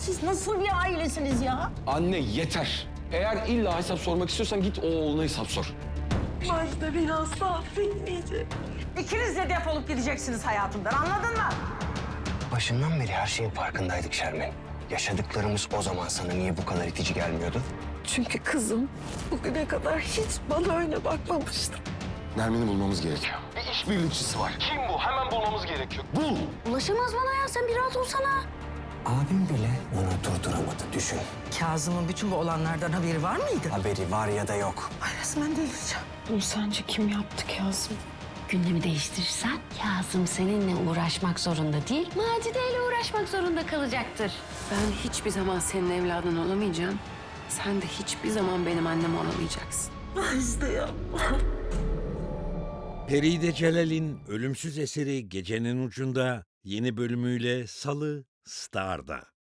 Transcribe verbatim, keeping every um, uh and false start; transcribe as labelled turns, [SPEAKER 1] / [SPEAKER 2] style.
[SPEAKER 1] Siz nasıl bir ailesiniz ya?
[SPEAKER 2] Anne yeter. Eğer illa hesap sormak istiyorsan git o oğluna hesap sor.
[SPEAKER 3] Macide beni asla affetmeyecek.
[SPEAKER 1] İkiniz de defolup gideceksiniz hayatımdan, anladın mı?
[SPEAKER 4] Başından beri her şeyin farkındaydık Şermin. Yaşadıklarımız o zaman sana niye bu kadar itici gelmiyordu?
[SPEAKER 3] Çünkü kızım bugüne kadar hiç bana öyle bakmamıştı.
[SPEAKER 2] Nermin'i bulmamız gerekiyor. Bir işbirlikçisi var. Kim bu? Hemen bulmamız gerekiyor. Bul!
[SPEAKER 5] Ulaşamaz bana ya, sen bir rahat olsana.
[SPEAKER 4] Abim bile onu durduramadı, düşün.
[SPEAKER 1] Kazım'ın bütün bu olanlardan haberi var mıydı?
[SPEAKER 4] Haberi var ya da yok.
[SPEAKER 1] Ay resmen delireceğim.
[SPEAKER 3] Bunu sence kim yaptı Kazım?
[SPEAKER 5] Gündemi değiştirirsen Kazım seninle uğraşmak zorunda değil, Macide ile uğraşmak zorunda kalacaktır.
[SPEAKER 3] Ben hiçbir zaman senin evladın olamayacağım. Sen de hiçbir zaman benim annem olamayacaksın.
[SPEAKER 6] Feride Celal'in ölümsüz eseri Gecenin Ucunda yeni bölümüyle Salı Star'da.